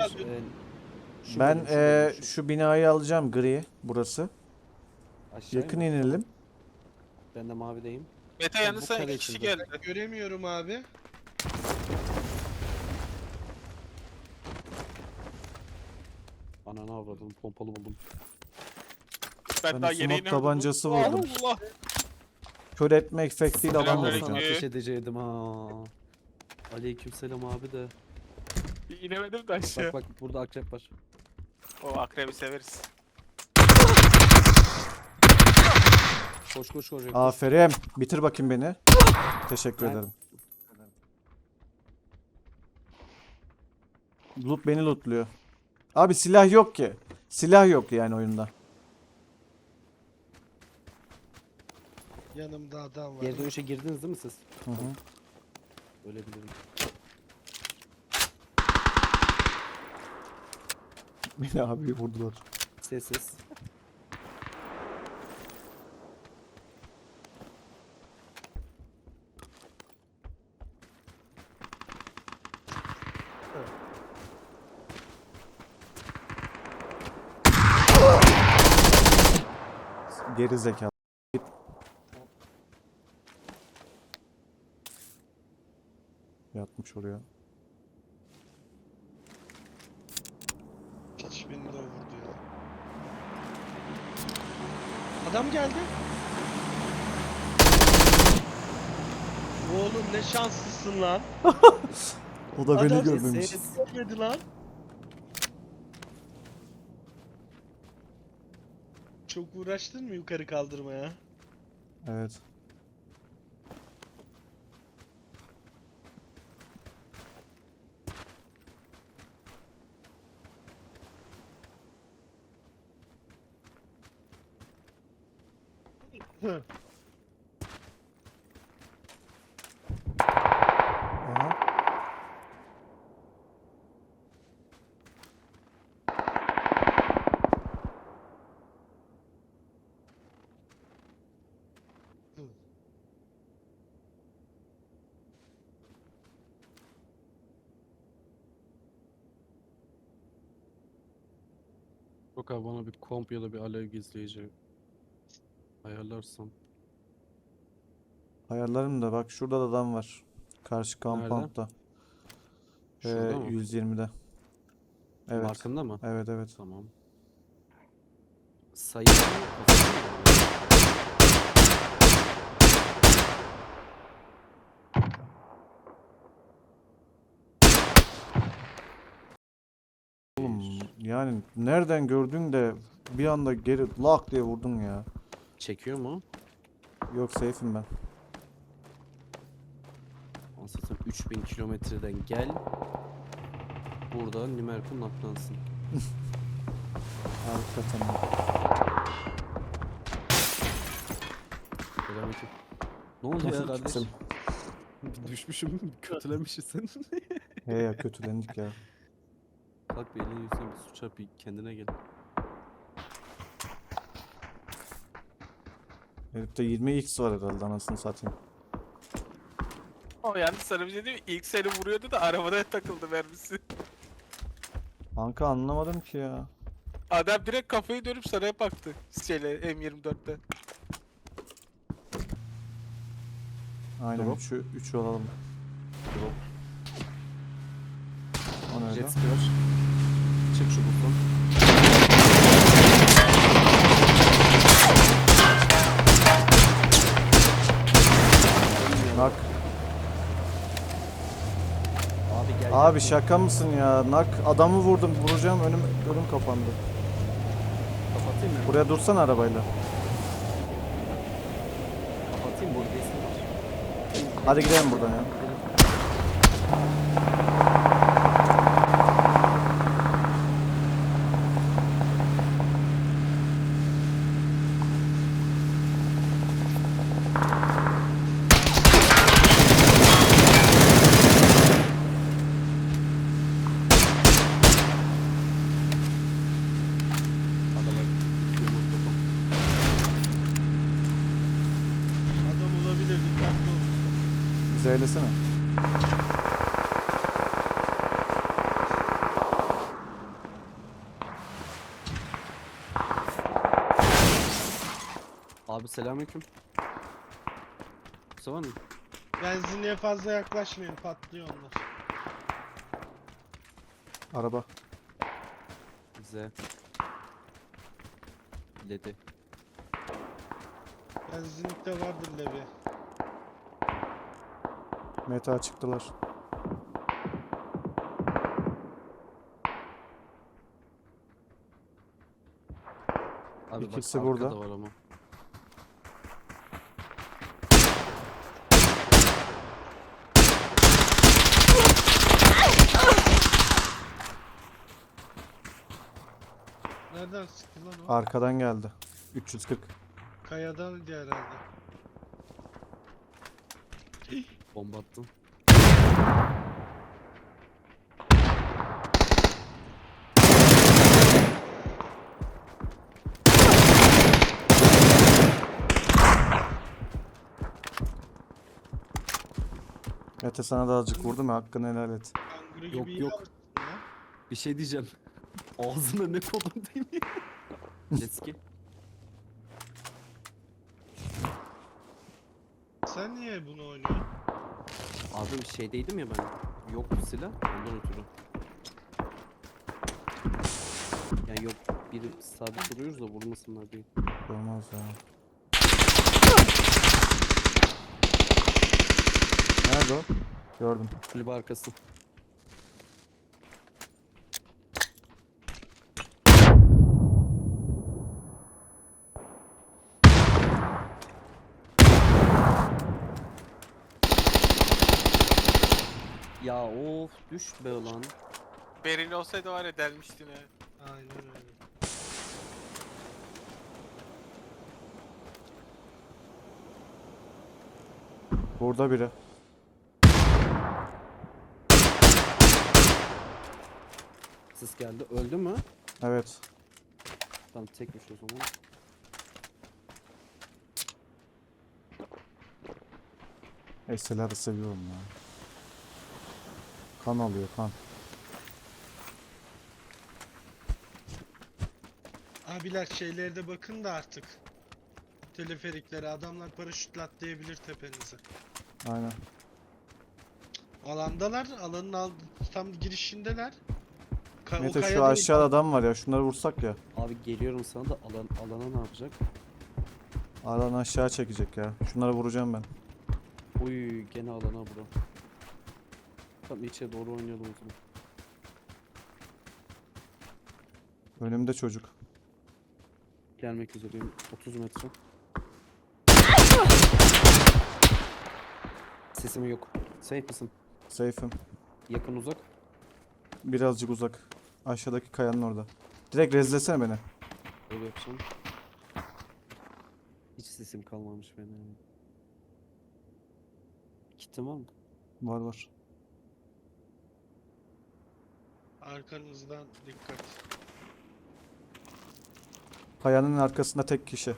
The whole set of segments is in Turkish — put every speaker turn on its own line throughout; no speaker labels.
Şu
Ben
bölüm, şu bölüm, şu.
şu binayı alacağım, gri burası.
Aşağıya
Yakın
mı?
inelim.
Tamam. Ben de mavideyim.
Mete
Tam bu
yanınıza
kare
2 kişi
içinde.
geldi.
Göremiyorum abi.
Ananı avradım, pompalı buldum.
Ben
Ben
daha
de
yeni
smoke tabancası vurdum.
Allah.
Kör etme efektiyle adam
Selamünaleyküm.
vuracağım.
Sana ateş edeceydim ha. Aleykümselam abi de.
İnemedim de aşağı.
Bak burada akrep var.
O akrebi severiz.
Koş koş koş. koş.
Aferin. Bitir bakayım beni. Teşekkür
Ben-
ederim. Loot beni lootluyor. Abi silah yok ki. Silah yok yani oyunda.
Yanımda adam var.
Geri dönüşe girdiniz değil mi siz?
Hı hı.
Öyle bilirim.
Beni abi vurdular.
Sessiz.
Geri zekalı. Yatmış oraya.
Hiç beni de o vurdu ya. Adam geldi. Oğlum ne şanslısın lan.
O da beni
Adam
görmemiş.
seni görmedi lan. Çok uğraştın mı yukarı kaldırmaya?
Evet. Aha.
Yok abi bana bir komp ya da bir alev gizleyici ayarlarsam.
Ayarlarım da bak şurada da adam var. Karşı
Nerede?
kampanta.
Şurada mı?
120'de. Evet.
Markında mı?
Evet evet.
Tamam. Sayı mı?
Oğlum yani nereden gördün de bir anda geri lak diye vurdun ya.
Çekiyor mu?
Yok safe'im ben.
Anlatayım 3000 kilometreden gel. Burada Nimerkun naklansın.
Hakikaten.
Selamünaleyküm. Ne oldu ya kardeş?
Kimsin?
Düşmüşüm, kötülemişsin sen.
He ya kötülendik ya.
Kalk bir elini yüzüne bir su çarp bir kendine gel.
Herifte 20x var herhalde anasını satayım.
O yani sana bir şey diyeyim mi? İlk seni vuruyordu da arabada takıldı mermisi.
Kanka anlamadım ki ya.
Adam direkt kafayı dönüp sana baktı. Şeyle M24'te.
Aynen
Drop.
3'ü alalım.
Drop.
O nerede?
Jet ski var. Çık şu button.
Nak.
Abi gel.
Abi
gel.
şaka mısın ya? Nak adamı vurdum. Vuracağım önüm kapandı.
Kapatayım mı?
Buraya dursana arabayla.
Kapatayım burada isim var.
Hadi gidelim buradan ya.
Adamlar yumurta
Adam olabilir dikkatli ol.
Bize eylesene.
Abi selamünaleyküm. Mustafa mı?
Benzinliğe fazla yaklaşmayın, patlıyor onlar.
Araba.
Z. Ledi.
Benzinlikte vardır levi.
Meta çıktılar.
Abi
İkisi
bak
burada.
arkada var ama.
Nereden sıktı lan o?
Arkadan geldi. 340.
Kayadan diye herhalde.
Bomba attım.
Mete sana da azıcık vurdum ya, hakkını helal et.
Kanguru gibi
Yok,
iyi
yok.
yapmışsın ya.
Bir şey diyeceğim. Ağzına ne kodum değil mi? Jetski.
Sen niye bunu oynuyorsun?
Abi bir şeydeydim ya ben. Yok silah ondan ötürü. Yani yok biri sabit duruyoruz da vurmasınlar diye.
Olmaz ya. Nerede o? Gördüm.
Kulübe arkası. Ya of düş be lan.
Beril olsaydı var ya delmiştin ha.
Aynen öyle.
Burada biri.
Sis geldi. Öldü mü?
Evet.
Tamam tekmiş o zaman.
SLR'ı seviyorum ya. Kan alıyor kan.
Abiler şeylerde bakın da artık. Teleferiklere adamlar paraşütle atlayabilir tepenize.
Aynen.
Alandalar, tam girişindeler. O
Mete
kaya
şu
değil,
aşağıda adam var ya, şunları vursak ya.
Abi geliyorum sana da alana ne yapacak?
Alan aşağı çekecek ya. Şunları vuracağım ben.
Uy gene alana bro. Tamam içe doğru oynayalım o zaman.
Önümde çocuk.
Gelmek üzereyim. 30 metre. Sesim yok. Safe mısın?
Safe'im.
Yakın uzak.
Birazcık uzak. Aşağıdaki kayanın orada. Direkt rezlesene beni.
Öyle yapacağım. Hiç sesim kalmamış benim. Kitim var mı?
Var var.
arkanızdan dikkat.
Kayanın arkasında tek kişi.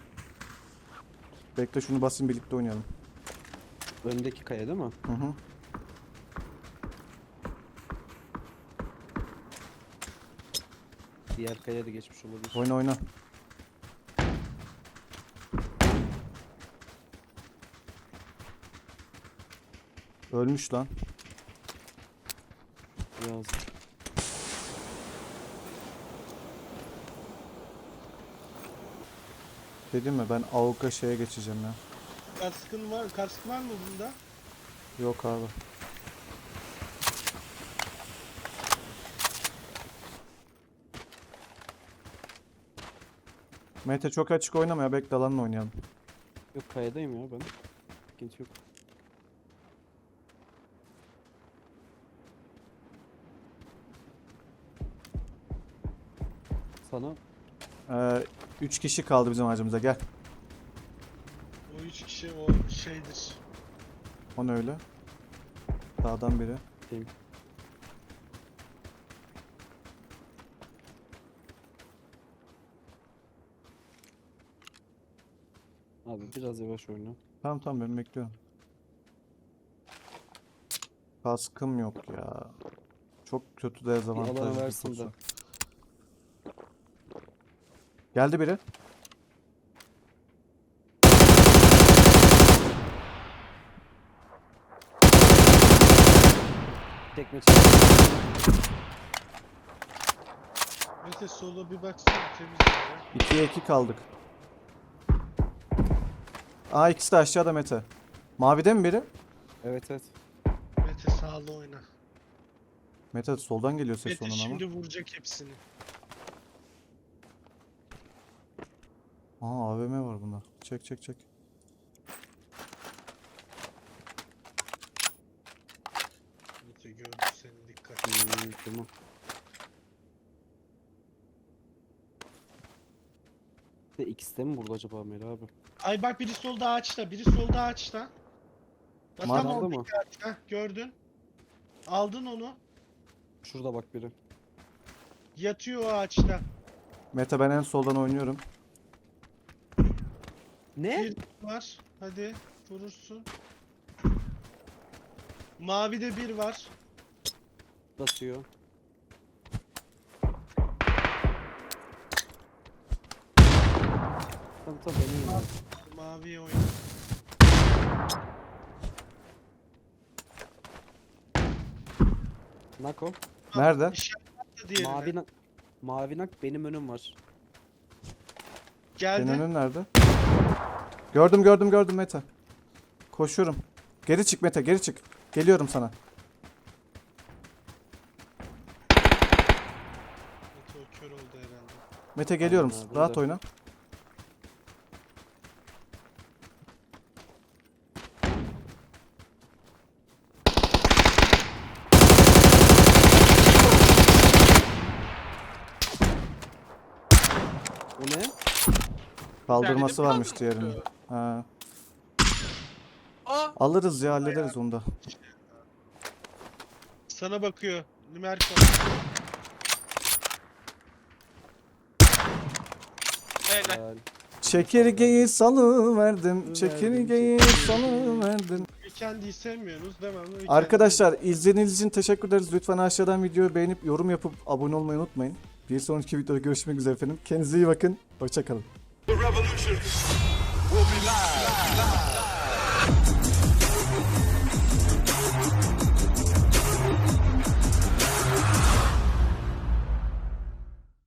Bekle şunu basayım, birlikte oynayalım.
Öndeki kaya değil mi?
Hı hı.
Diğer kaya da geçmiş olabilir.
Oyna oyna. Ölmüş lan.
Biraz.
Dedim mi, ben AWP şeye geçeceğim ya.
Kask var mı bunda?
Yok abi. Mete çok açık oynama ya, bekle alanla oynayalım.
Yok kayadayım ya ben. Sıkıntı yok. Sana
3 kişi kaldı bizim ağacımıza, gel.
O 3 kişi o şeydir.
O ne öyle? Dağdan biri.
diyeyim. Abi biraz yavaş oyna.
Tamam tamam, ben bekliyorum. Kaskım yok ya. Çok kötü dezavantajlı bir
versin de.
pozisyon. Geldi biri.
tekme çekti.
Mete sola bir baksana temiz gibi.
2'ye 2 kaldık. Aa ikisi de aşağıda Mete. Mavide mi biri?
Evet evet.
Mete sağlı oyna.
Mete soldan geliyor ses
Mete
onun ama.
şimdi vuracak hepsini.
Aa AVM var bunda. Çek çek çek.
Mete gördü seni, dikkat.
Tamam. De ikisi de mi burada acaba Meli abi?
Ay bak biri solda ağaçta, biri solda ağaçta. Bak
Var
tam
mı?
oradaki ağaçta. Gördün. Aldın onu.
Şurada bak biri.
Yatıyor o ağaçta.
Mete ben en soldan oynuyorum.
Ne?
Bir var. Hadi vurursun. Mavide bir var.
Basıyor. Tamam tamam benim ya.
Maviye oyna.
Nako.
Nerede?
İşaretle diğerine.
Mavi nak benim önüm var.
Geldi.
Senin önün nerede? Gördüm gördüm gördüm Mete. Koşuyorum. Geri çık Mete geri çık. Geliyorum sana.
Mete o kör oldu herhalde.
Mete geliyorum.
Aynen abi,
Rahat
burada.
oyna.
O ne?
Kaldırması
Yani
varmış
bir
diğerinin. Ha.
Aa!
Alırız ya hallederiz onu da.
Sana bakıyor. Numerko.
Helal.
Helal.
Çekirgeyi salıverdim. Çekirgeyi salıverdim.
Weekend'i sevmiyorsunuz değil mi? Ama Weekend'i-
Arkadaşlar izlediğiniz için teşekkür ederiz. Lütfen aşağıdan videoyu beğenip yorum yapıp abone olmayı unutmayın. Bir sonraki videoda görüşmek üzere efendim. Kendinize iyi bakın. Hoşçakalın.
The revolution will be live.